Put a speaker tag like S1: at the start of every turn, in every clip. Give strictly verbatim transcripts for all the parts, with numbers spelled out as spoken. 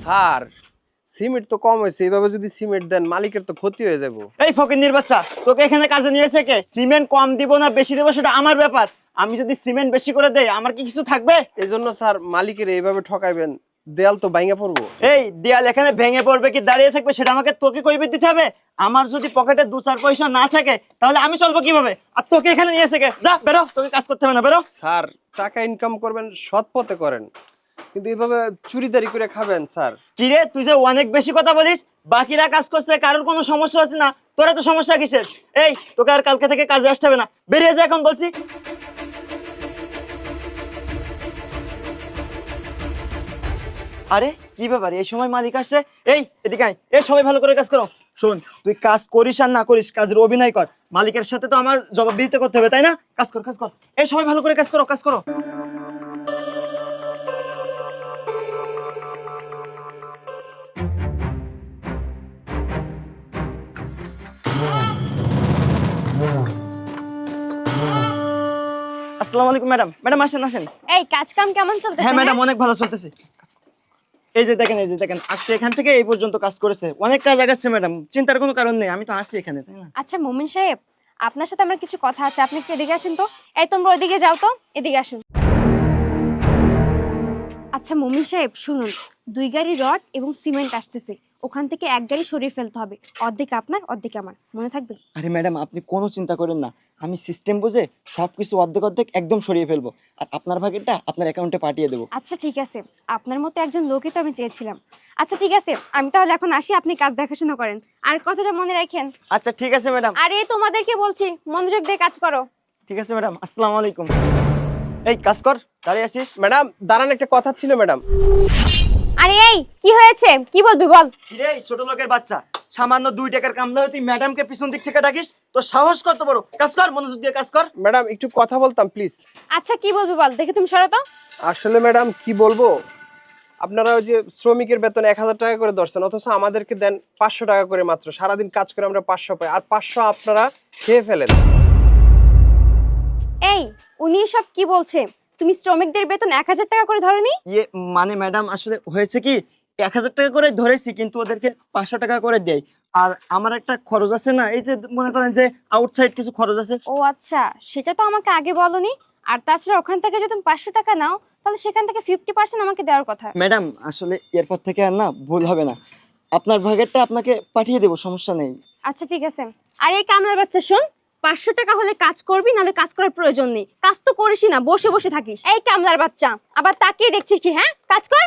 S1: Sir cement তো কম হয়েছে, এইভাবে যদি সিমেন্ট দেন মালিকের তো ক্ষতি হয়ে যাবো।
S2: এই ফকিন্নির বাচ্চা, তোকে এখানে কাজে নিয়েছে কে? সিমেন্ট কম দিব না বেশি দেবো সেটা আমার ব্যাপার। আমি যদি সিমেন্ট বেশি করে দেই আমার কি কিছু থাকবে?
S1: এই জন্য স্যার মালিকের এইভাবে ঠকাইবেন, দেয়াল তো ভাঙা পড়বো।
S2: এই দেয়াল এখানে ভেঙে পড়বে কি দাঁড়িয়ে থাকবে সেটা আমাকে তোকে কইবে দিতে হবে? আমার যদি পকেটে দু চার পয়সা না থাকে তাহলে আমি চলবো কিভাবে? আর তোকে এখানে নিয়েছে কে? যা বেরো, তোকে কাজ করতে হবে না, বেরো।
S1: স্যার টাকা ইনকাম করবেন সৎ পথে করেন, কিন্তু এইভাবে চুরিদারি করে খাবেন স্যার।
S2: কিরে তুই যে অনেক বেশি কথা বলিস, বাকিরা কাজ করছে কারোর কোনো সমস্যা হচ্ছে না, তোরা তো সমস্যা কিসের? এই তোকে আর কালকে থেকে কাজে আসতে হবে না, বেরিয়ে যা এখন বলছি। আরে কি ব্যাপার, এই সময় মালিক আসছে? এই এদিকে আয়, এই সবাই ভালো করে কাজ করো। শোন, তুই কাজ করিস আর না করিস কাজের অভিনয় কর, মালিকের সাথে তো আমার জবাবদিহিতা করতে হবে তাই না? কাজ কর কাজ কর, এই সবাই ভালো করে কাজ করো কাজ করো। আসসালামু আলাইকুম ম্যাডাম। ম্যাডাম আসেন আসেন।
S3: এই কাজ কাম কেমন চলতেছে?
S2: হ্যাঁ ম্যাডাম অনেক ভালো চলতেছে। এই যে দেখেন, এই যে দেখেন, আজকে এখান থেকে এই পর্যন্ত কাজ করেছে, অনেক কাজ আগাচ্ছে ম্যাডাম, চিন্তার কোনো কারণ নেই, আমি তো আছি এখানে তাই না?
S3: আচ্ছা মুমিন সাহেব, আপনার সাথে আমার কিছু কথা আছে, আপনি একটু এদিকে আসুন তো। এই তোমরা ওইদিকে যাও তো, এদিকে আসুন। আচ্ছা মুমিন সাহেব শুনুন, দুই গাড়ি রড এবং সিমেন্ট আসতেছে, ওখান থেকে এক গাড়ি সরিয়ে ফেলতে হবে, অর্ধেক আপনার অর্ধেক আমার, মনে থাকবে?
S2: আরে ম্যাডাম আপনি কোনো চিন্তা করেন না, আমি সিস্টেম বুঝে সবকিছু অর্ধেক অর্ধেক একদম সরিয়ে ফেলবো, আর আপনার ভাগেরটা আপনার অ্যাকাউন্টে পাঠিয়ে দেবো।
S3: আচ্ছা ঠিক আছে, আপনার মতো একজন লোকই তো আমি চেয়েছিলাম। আচ্ছা ঠিক আছে, আমি তাহলে এখন আসি, আপনি কাজ দেখাশোনা করেন, আর কথাটা মনে রাখেন।
S2: আচ্ছা ঠিক আছে ম্যাডাম।
S3: আরে তোমাদেরকে বলছি মনোযোগ দিয়ে কাজ করো।
S2: ঠিক আছে ম্যাডাম, আসসালামু আলাইকুম। এই কাজ কর, দাঁড়িয়ে আছিস?
S1: ম্যাডাম দাঁড়ান, একটা কথা ছিল ম্যাডাম।
S3: আরে এই কি হয়েছে, কি বলবি বল।
S2: কিরে ছোট লোকের বাচ্চা, সামান্য দুই টাকার কামলা হয়ে তুই ম্যাডামকে পিছন দিক থেকে ডাকিস? তোর সাহস কত বড়! কাজ কর, মনোযোগ দিয়ে কাজ কর।
S1: ম্যাডাম একটু কথা বলতাম প্লিজ।
S3: আচ্ছা কি বলবি বল, দেখে তুমি সরো তো।
S1: আসলে ম্যাডাম কি বলবো, আপনারা ওই যে শ্রমিকের বেতন এক হাজার টাকা করে ধরছেন, অথচ আমাদেরকে দেন পাঁচশো টাকা করে মাত্র। সারাদিন কাজ করে আমরা পাঁচশো পাই, আর পাঁচশো আপনারা খেয়ে ফেলেন।
S3: এই উনি সব কি বলছে? তুমি শ্রমিকদের বেতন এক হাজার টাকা করে ধরনি?
S2: ইয়ে মানে ম্যাডাম আসলে হয়েছে কি, এক হাজার টাকা করে ধরেছি কিন্তু ওদেরকে পাঁচশো টাকা করে দেয়, আর আমার একটা খরচ আছে না, এই যে মনে করেন যে আউটসাইড কিছু খরচ আছে।
S3: ও আচ্ছা, সেটা তো আমাকে আগে বলনি। আর তাছাড়া ওখান থেকে যদি তুমি পাঁচশো টাকা নাও তাহলে সেখান থেকে ফিফটি পার্সেন্ট আমাকে দেওয়ার কথা।
S2: ম্যাডাম আসলে এরপর থেকে আর না ভুল হবে না, আপনার ভাগেরটা আপনাকে পাঠিয়ে দেবো, সমস্যা নেই।
S3: আচ্ছা ঠিক আছে। আর এই কামলার বাচ্চা শোন, পাঁচশো টাকা হলে কাজ করবি, নাহলে কাজ করার প্রয়োজন নেই। কাজ তো করিসই না, বসে বসে থাকিস। এই কামলার বাচ্চা, আবার তাকিয়ে দেখছিস কি? হ্যাঁ কাজ কর।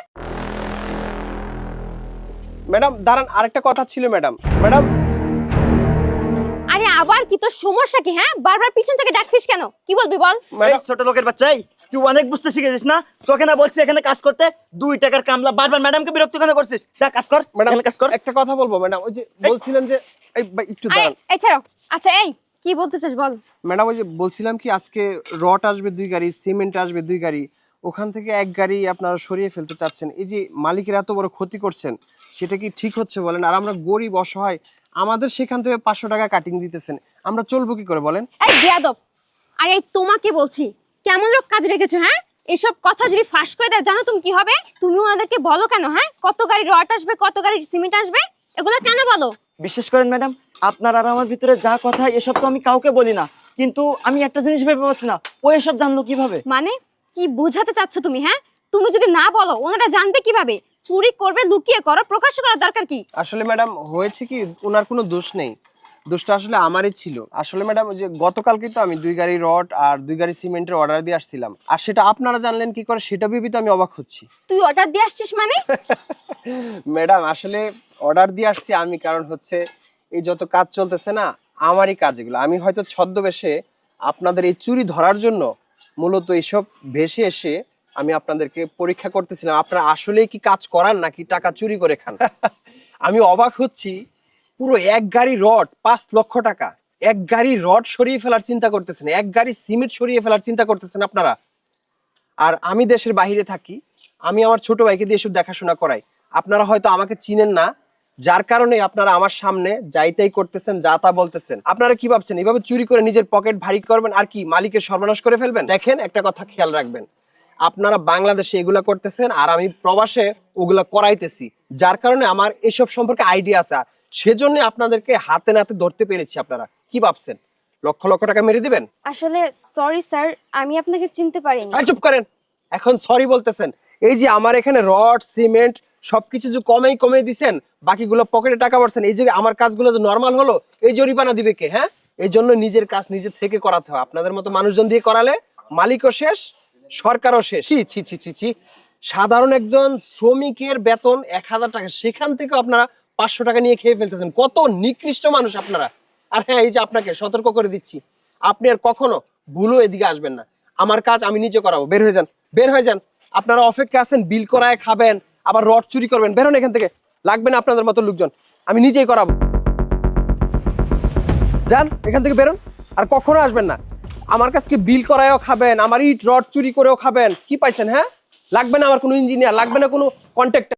S1: ম্যাডাম দাঁড়ান, আরেকটা কথা ছিল ম্যাডাম। ম্যাডাম
S3: আরে আবার কি, তোর সমস্যা কি? হ্যাঁ বারবার পিছন থেকে ডাকছিস কেন, কি বলবি বল।
S2: এই ছোট লোকের বাচ্চা, এই তুই অনেক বুঝতে শিখেছিস না? তোকে না বলছি এখানে কাজ করতে, দুই টাকার কামলা বারবার ম্যাডামকে বিরক্ত কেন করছিস? যা কাজ কর
S1: ম্যাডাম
S2: এখানে কাজ কর।
S1: একটা কথা বলবো ম্যাডাম, ওই যে বলছিলেন যে এই ভাই, একটু
S3: আরে
S1: দাঁড়ান
S3: এই ছাড়ো। আচ্ছা এই কি বলতে চাস বল।
S1: ম্যাডাম, ওই যে বলছিলাম কি আজকে রড আসবে দুই গাড়ি, সিমেন্ট আসবে দুই গাড়ি, ওখান থেকে এক গাড়ি আপনারা সরিয়ে ফেলতে চাচ্ছেন। এই যে মালিকের এত বড় ক্ষতি করছেন, সেটা কি ঠিক হচ্ছে বলেন? আর আমরা গরিব অসহায়, আমাদের সেখান থেকে পাঁচশো টাকা কাটিং দিতেছেন, আমরা চলবো কি করে বলেন?
S3: এই বেয়াদব, আরে তোমাকে বলছি কেমন লোক কাজ রেখেছো? হ্যাঁ এসব কথা যদি ফাঁস করে দেয় জানো তুমি কি হবে? তুমি ওনাদেরকে বলো কেন? হ্যাঁ কত গাড়ি রড আসবে, কত গাড়ি সিমেন্ট আসবে, এগুলো কেন বলো?
S2: বিশ্বাস করেন ম্যাডাম, আপনার আর আমার ভিতরে যা কথা এসব তো আমি কাউকে বলি না, কিন্তু আমি একটা জিনিস ভেবে পাচ্ছি না, ও এসব জানলো কিভাবে?
S3: মানে কি বোঝাতে চাচ্ছ তুমি? হ্যাঁ তুমি যদি না বলো ওনারা জানবে কিভাবে? চুরি করবে লুকিয়ে করো, প্রকাশ করার দরকার কি?
S1: আসলে ম্যাডাম হয়েছে কি, ওনার কোনো দোষ নেই, দোষটা আসলে আমারই ছিল। আসলে ম্যাডাম যে গতকালকে তো আমি দুই গাড়ি রড আর দুই গাড়ি সিমেন্টের অর্ডার দিয়ে আসছিলাম, আর সেটা আপনারা জানলেন কি করে সেটা ভেবে তো আমি অবাক হচ্ছি।
S3: তুই অর্ডার দিয়ে আসছিস মানে?
S1: ম্যাডাম আসলে অর্ডার দিয়ে আসছি আমি, কারণ হচ্ছে এই যত কাজ চলতেছে না আমারই কাজ এগুলো, আমি হয়তো ছদ্মবেশে আপনাদের এই চুরি ধরার জন্য মূলত এইসব ভেসে এসে আমি আপনাদেরকে পরীক্ষা করতেছিলাম আপনারা আসলেই কি কাজ করান নাকি টাকা চুরি করে খান। আমি অবাক হচ্ছি, পুরো এক গাড়ি রড পাঁচ লক্ষ টাকা, এক গাড়ি রড সরিয়ে ফেলার চিন্তা করতেছেন, এক গাড়ি সিমেন্ট সরিয়ে ফেলার চিন্তা করতেছেন আপনারা। আর আমি দেশের বাইরে থাকি, আমি আমার ছোট ভাইকে দিয়ে এসব দেখাশোনা করাই, আপনারা হয়তো আমাকে চিনেন না, যার কারণে আপনারা আমার সামনে যাইতাই করতেছেন, যা তা বলতেছেন। আপনারা কি ভাবছেন এইভাবে চুরি করে নিজের পকেট ভারী করবেন আর কি মালিকের সর্বনাশ করে ফেলবেন? দেখেন একটা কথা খেয়াল রাখবেন, আপনারা বাংলাদেশে এগুলা করতেছেন আর আমি প্রবাসে ওগুলা করাইতেছি, যার কারণে আমার এসব সম্পর্কে আইডিয়া আছে। আর সেজন্য আপনাদেরকে হাতে নাতে ধরতে পেরেছি। আপনারা কি ভাবছেন লক্ষ লক্ষ টাকা মেরে দিবেন?
S3: আসলে সরি স্যার, আমি আপনাকে চিনতে পারিনি।
S1: আর চুপ করেন, এখন সরি বলতেছেন? এই যে আমার এখানে রড সিমেন্ট সবকিছু যে কমেই কমে দিছেন, বাকিগুলো পকেটে টাকা ভরছেন, এই যে আমার কাজগুলো যে নর্মাল হলো, এই জরিমানা দিবে কে? হ্যাঁ, এই জন্য নিজের কাজ নিজে থেকে করাতে হয়। আপনাদের মতো মানুষজন দিয়ে করালে মালিকও শেষ, সরকারও শেষ। ছি ছি ছি ছি ছি। সাধারণ একজন শ্রমিকের বেতন এক হাজার টাকা, সেখান থেকে আপনারা পাঁচশো টাকা নিয়ে খেয়ে ফেলতেছেন। কত নিকৃষ্ট মানুষ আপনারা। আর হ্যাঁ, এই যে আপনাকে সতর্ক করে দিচ্ছি, আপনি আর কখনো ভুলও এদিকে আসবেন না। আমার কাজ আমি নিজে করাবো। বের হয়ে যান, বের হয়ে যান। আপনারা অপেক্ষা আছেন বিল করায় খাবেন, আবার রড চুরি করবেন। বেরোন এখান থেকে, লাগবে না আপনাদের মতো লোকজন, আমি নিজেই করাবো। যান এখান থেকে, বেরোন, আর কখনো আসবেন না। আমার কাছে বিল করায়ও খাবেন, আমার ইট রড চুরি করেও খাবেন। কি পাইছেন? হ্যাঁ, লাগবে না আমার কোনো ইঞ্জিনিয়ার, লাগবে না কোনো কন্ট্রাক্টর।